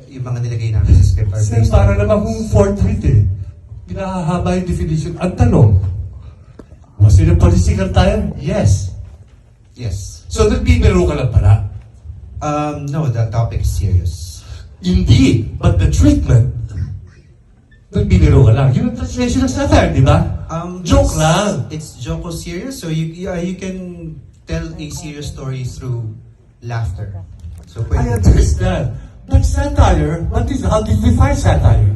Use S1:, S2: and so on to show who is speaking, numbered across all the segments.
S1: yung mga nilagay namin sa script are
S2: Sir,
S1: based
S2: para
S1: on...
S2: naman kung fourth read eh. Pinahahaba yung definition. Ang tanong, was it a political tire? Yes.
S1: Yes.
S2: So, nagbibiro ka lang pala.
S1: No, the topic is serious.
S2: Indeed, but the treatment, nagbibiro ka lang. Yun ang translation ng satire, di ba? Joke lang.
S1: It's joko serious, so you can tell a serious story through laughter. So
S2: I understand. But satire, how did we find satire?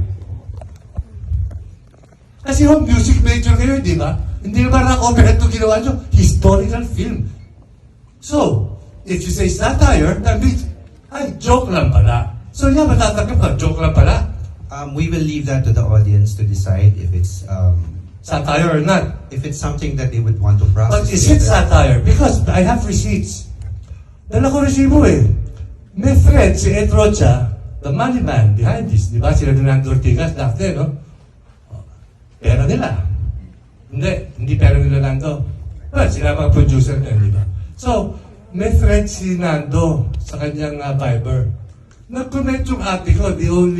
S2: Kasi yung music major kayo, di ba? Hindi naman rock-opera ito ginawa nyo. Historical film. So, if you say satire, that means, ay, joke lang pala. So, yeah, matatanggap ka, joke lang pala.
S1: We will leave that to the audience to decide if it's
S2: Satire or not.
S1: if it's something that they would want to process.
S2: But is it satire? Because I have receipts. Dala ko resibo eh. May friend, si Ed Rocha, the money man behind this, di ba? Sila Fernando Ortigas, dati, no? Pera nila. Hindi pera nila Nando. Well, sila mga producer na, di ba? So, may friend si Nando sa kanyang Viber. Nag-comment yung ate ko,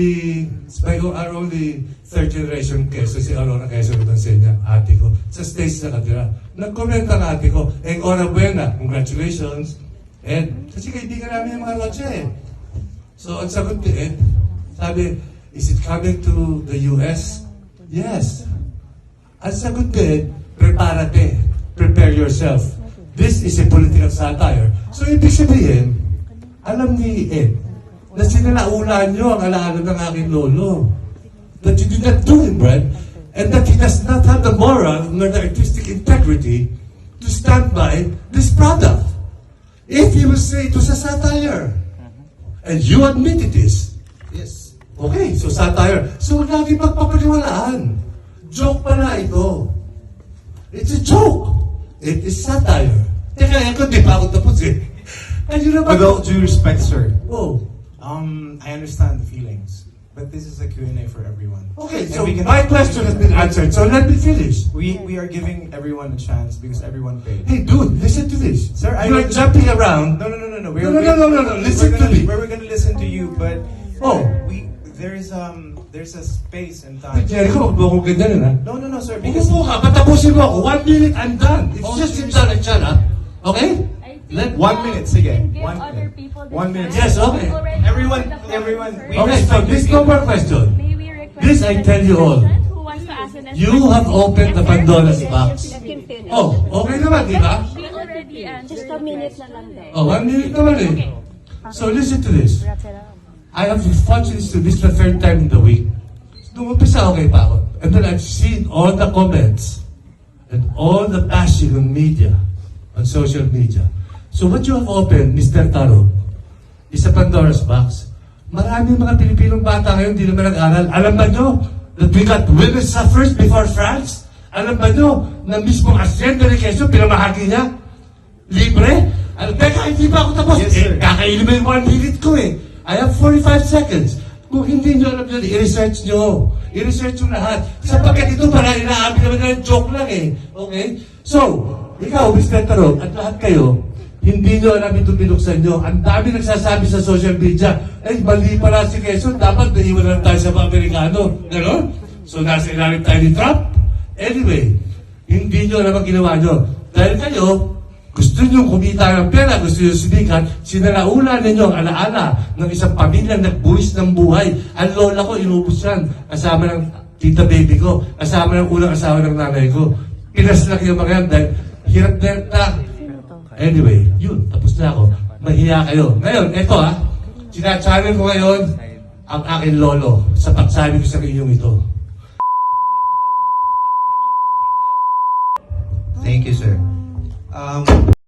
S2: our only third generation Quezon, si Aurora Quezon Utansenya, ate ko, sa stage na katira. Nag-comment ang ate ko, enhorabuena, congratulations. Ed, kasi kaibigan namin yung mga Rocha eh. So, ang sagot ni Ed, sabi, is it coming to the US? Yes. Ang sagot ni Ed, prepare yourself. This is a political satire. So, ibig sabihin, alam ni Ed, na sinalaulan nyo ang alaala ng aking lolo. That you did not do him right, and that he does not have the moral nor the artistic integrity to stand by this product. If he will say it was a satire, and you admit it is,
S1: Yes.
S2: okay, so satire. So huwag natin magpapaniwalaan. Joke pala ito. It's a joke. It is satire. Teka, ako di pa ako tapos eh. Ayun naman.
S3: With all due respect, sir,
S2: Oh.
S3: I understand the feelings, but this is a Q&A for everyone.
S2: Okay,
S3: And
S2: so
S3: we can-
S2: my question has been answered, so let me finish.
S3: We are giving everyone a chance because everyone paid.
S2: Hey, dude, listen to this.
S3: Sir, I
S2: You're
S3: will-
S2: jumping around.
S3: No.
S2: No. Listen to me.
S3: We're gonna listen to you, but
S2: Oh.
S3: there's a space and time.
S2: Jericho, huwag mo akong ganyan, ha?
S3: No, sir. Because
S2: Umupo ka, patapusin mo ako. 1 minute, I'm done. It's
S3: Oh,
S2: just
S3: sure,
S2: sit down and shut up. Okay?
S4: Let
S3: 1 minute, sige. 1
S4: other
S3: minute.
S4: people
S3: 1 minute.
S2: Yes, okay.
S3: Everyone. We
S2: Okay, so this no more question.
S4: May we request
S2: This I tell you all.
S4: who wants to ask the next
S2: You have opened the Pandora's box.
S5: finish.
S2: Oh, okay naman, di ba?
S4: We already answered.
S5: Just a minute na lang daw.
S2: Oh, 1 minute naman eh. So listen to this. I have watched this the third time in the week. Nung umpisa okay pa ako. And then I've seen all the comments and all the bashing on media, on social media. So what you have opened, Mr. Taro, is a Pandora's box. Maraming mga Pilipinong bata ngayon hindi naman nag-aral. Alam ba nyo that we got women's suffrage before France? Alam ba nyo na mismong Hacienda de Quezon, pinamahagi niya? Libre? Teka, hindi pa ako tapos.
S3: Yes, sir.
S2: Kakainin mo yung 1 minute ko eh. I have 45 seconds. Kung hindi nyo alam yun, i-research nyo. I-research nyo lahat. Sapagkat ito para inaamin naman na joke lang eh. Okay? So, ikaw, Mr. Taro, at lahat kayo, hindi nyo alam itong binuksan nyo. Ang dami nagsasabi sa social media, mali pala si Quezon, dapat naiwan lang tayo sa mga Amerikano. Ganon? So, nasa ilalim tayo ni Trump? Anyway, hindi nyo alam ang ginawa nyo. Dahil kayo, gusto nyo kumita ng pera, gusto nyo sumikat, sinalaula ninyo ang alaala ng isang pamilyang nagbuwis ng buhay. Ang lola ko, inubos yan. Kasama ng tita baby ko. Kasama ng unang asawa ng nanay ko. Pinaslak yung mga yan dahil hirap na. Anyway, yun, tapos na ako. Mahiya kayo. Ngayon, eto sinachannel ko ngayon ang aking lolo sa pagsabi ko sa inyong ito.
S1: Thank you, sir.